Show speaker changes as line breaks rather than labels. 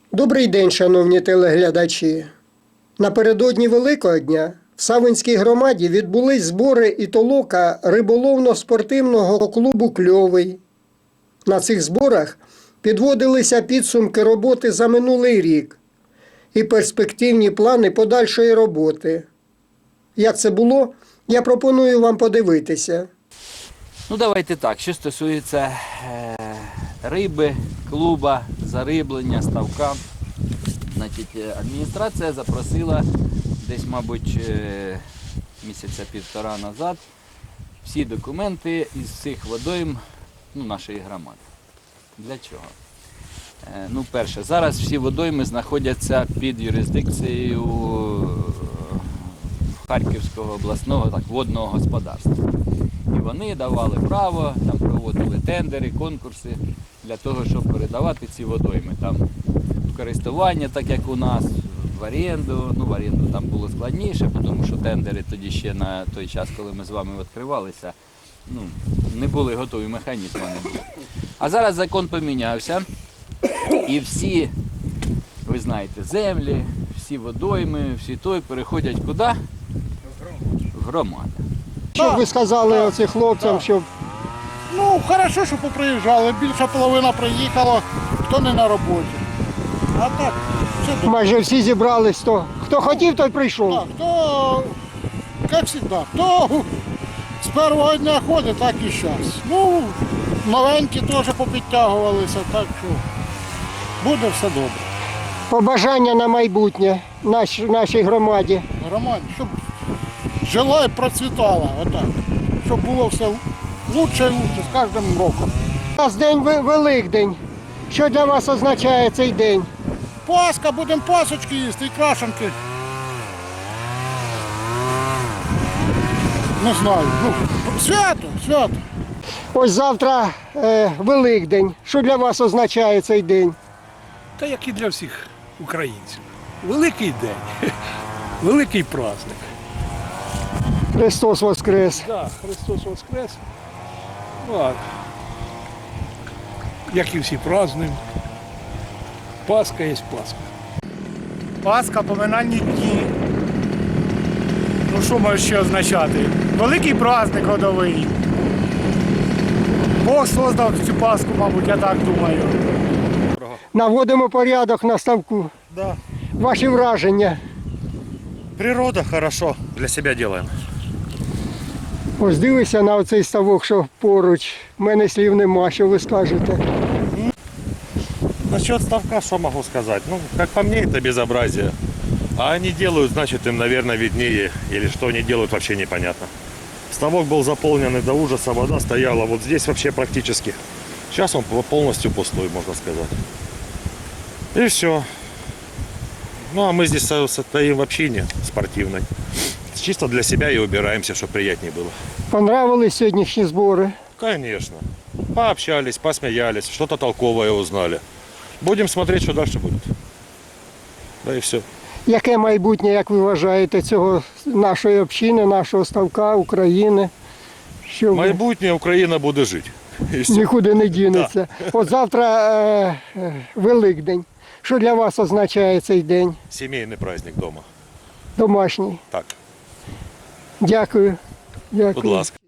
Добрий день, шановні телеглядачі. Напередодні Великого дня в Савинській громаді відбулись збори і толока риболовно-спортивного клубу «Кльовий». На цих зборах підводилися підсумки роботи за минулий рік і перспективні плани подальшої роботи. Як це було, я пропоную вам подивитися.
Давайте так, що стосується риби, клуба, зариблення, ставка. Адміністрація запросила десь, мабуть, місяця півтора назад всі документи із всіх водойм нашої громади. Для чого? Перше, зараз всі водойми знаходяться під юрисдикцією Харківського обласного водного господарства. І вони давали право, там проводили тендери, конкурси для того, щоб передавати ці водойми. Там в користування, так як у нас, в оренду. В оренду там було складніше, тому що тендери тоді ще на той час, коли ми з вами відкривалися, не були готові механізми. А зараз закон помінявся, і всі, ви знаєте, землі, всі водойми, всі той переходять куди? В громаду.
Що б ви сказали оцим хлопцям, щоб...
Хорошо, що поприїжджали, більша половина приїхала, хто не на роботі. А так, все добре.
Майже всі зібрались, хто хотів, той прийшов.
Так, хто, як завжди, хто з першого дня ходить, так і зараз. Новенькі теж попідтягувалися, так що буде все добре.
Побажання на майбутнє нашій громаді.
Громаді, щоб жила і процвітала, отак. Щоб було все лучше і лучше з кожним роком.
У нас день Великдень. Що для вас означає цей день?
Пасха, будемо пасочки їсти і крашенки. Не знаю. Свято.
Ось завтра Великдень. Що для вас означає цей день?
Та як і для всіх українців. Великий день, великий праздник.
Христос Воскрес.
Так, Христос Воскрес. Як і всі празднуємо. Пасха є Пасха.
Пасха, поминальні дні. Що може ще означати? Великий праздник годовий. Бог создав цю Пасху, мабуть, я так думаю.
Наводимо порядок на ставку.
Да.
Ваші враження.
Природа хорошо для себя делаем.
Ось дивися на оцей ставок, що поруч. У мене слів нема, що ви скажете.
Насчет ставка, что могу сказать? Как по мне, это безобразие. А они делают, значит, им, наверное, виднее. Или что они делают, вообще непонятно. Ставок был заполнен и до ужаса, вода стояла вот здесь вообще практически. Сейчас он полностью пустой, можно сказать. И все. А мы здесь стоим в общине спортивной. Чисто для себя и убираемся, чтобы приятнее было.
Понравились сьогоднішні збори?
Конечно. Пообщались, посмеялись, что-то толковое узнали. Будем смотреть, что дальше будет. Да и все.
Яке майбутнє, як ви вважаєте, цього нашої общини, нашого ставка, України? Що
Майбутнє Україна буде жити. І все.
нікуди не дінеться. От завтра Великдень. Що для вас означає цей день?
Сімейний праздник дома.
Домашній.
Так,
Дякую.
будь ласка.